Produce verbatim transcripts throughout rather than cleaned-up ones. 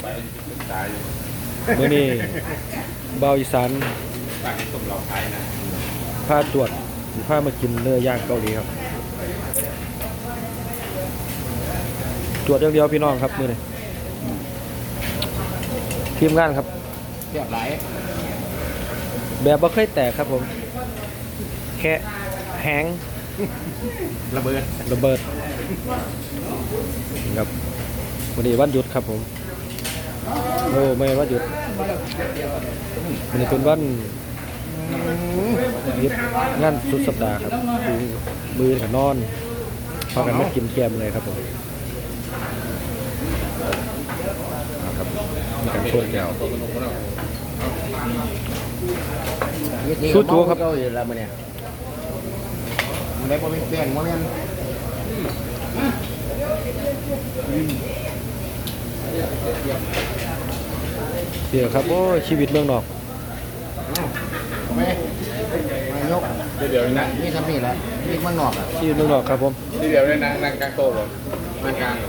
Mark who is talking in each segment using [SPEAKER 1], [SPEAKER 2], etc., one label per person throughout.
[SPEAKER 1] เมื่อนี้เบาอีสานพาตรวจพามากินเนื้อย่างเกาหลีครับตรวจอย่างเดียวพี่น้องครับมื่อนี้ทีมงานครับ
[SPEAKER 2] เรียบร้อย
[SPEAKER 1] แบบว่าเคยแตกครับผมแค่แหง
[SPEAKER 2] ระเบิด
[SPEAKER 1] ระเบิดครับวันนี้วันหยุดครับผมโอ้ไม่วันหยุดวันนี้เป็นวันหยุดงานสุดสัปดาห์ครับมือกับนอนพากันมากินแกมเลยครับผมครับมีการชวนแก้วสู้ตัวครับ
[SPEAKER 2] เราอยู่แล้วมันเนี่ยมันได้พอมีเปลี่ยนมั้งเนี่ย
[SPEAKER 1] เดี๋ยวครับโอ้ชีวิตเมืองนอก
[SPEAKER 2] ไม่ไม่ยกเดี๋ยวนะนี่ทำนี่แหละนี่มันนอกอ่ะ
[SPEAKER 1] ชีวิตเมืองนอกครับผม
[SPEAKER 2] เดี๋ยวเลยนะนั่งกลางโต๊ะหรอนั่งกลาง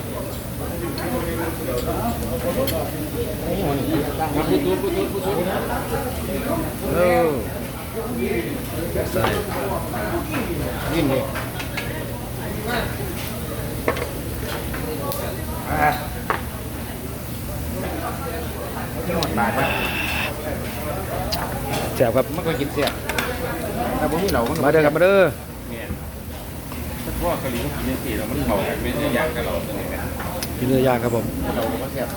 [SPEAKER 2] มาพูดพูดพูดพูดพูด
[SPEAKER 1] เออใส่
[SPEAKER 2] ยิ่งเลยอ่ะที่หมดบาทนะ
[SPEAKER 1] แซ่บครับ
[SPEAKER 2] ไม่เคยกินเสียแต่พวกนี้เรา
[SPEAKER 1] มาเด้อครับมาเด้อ
[SPEAKER 2] เนี่ยพวกกะหรี่เขากินสีเรามันเผาไม่ใช่ย่างกันเราตรงนี้นะ
[SPEAKER 1] กินเนื้อย่างครับผม
[SPEAKER 2] เราก็เสียบ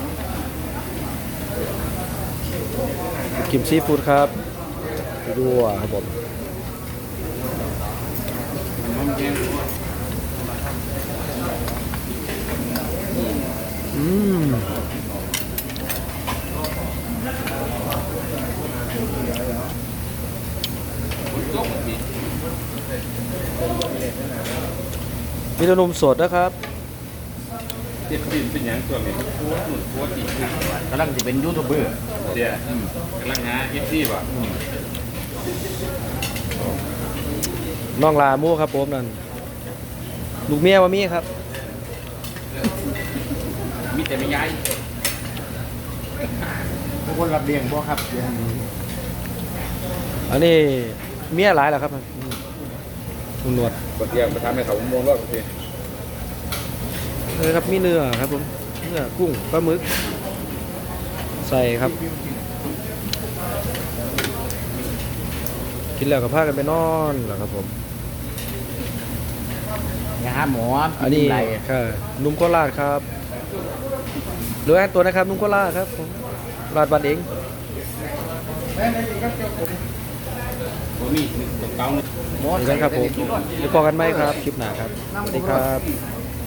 [SPEAKER 1] กิมซีฟู้ดครับดูอ่ะครับผมอืมมีนมสดนะครับ
[SPEAKER 2] เด็ดดินเป็นอย่างส่วนนี้โคตรหนุนโคตรดีกำลังจะเป็นยูทูบเบอร์เดี๋ยวกำลังหาเอฟซีป่ะ
[SPEAKER 1] น้องลามู่ครับผมนั่นลูกเมียว่ามีครับ
[SPEAKER 2] มีแต่ไม่ย้ายทุกคนรับเลี้ยงบ่ครับ
[SPEAKER 1] อันนี้เมียหลายแล้วครับคุณหนวด
[SPEAKER 2] บางทีไปทำให้เขาโมงรอบที
[SPEAKER 1] เลยครับมีเนื้อครับผมเนื้อกุ้งปลาหมึกใส่ครับกินแล้วกับผ้ากันไปนอนแล้วครับผม
[SPEAKER 2] ยาหมอ
[SPEAKER 1] อันนี้ค่ะนุ่มโคราชครับหรือแอนตัวนะครับนุ่มโคราชครับผมราดบัตรเอง
[SPEAKER 2] มีตรงเก้าหมด
[SPEAKER 1] กันครับผมเดี๋ยวพอกันไหมครับคลิปหน้าครับสวัสดีครับ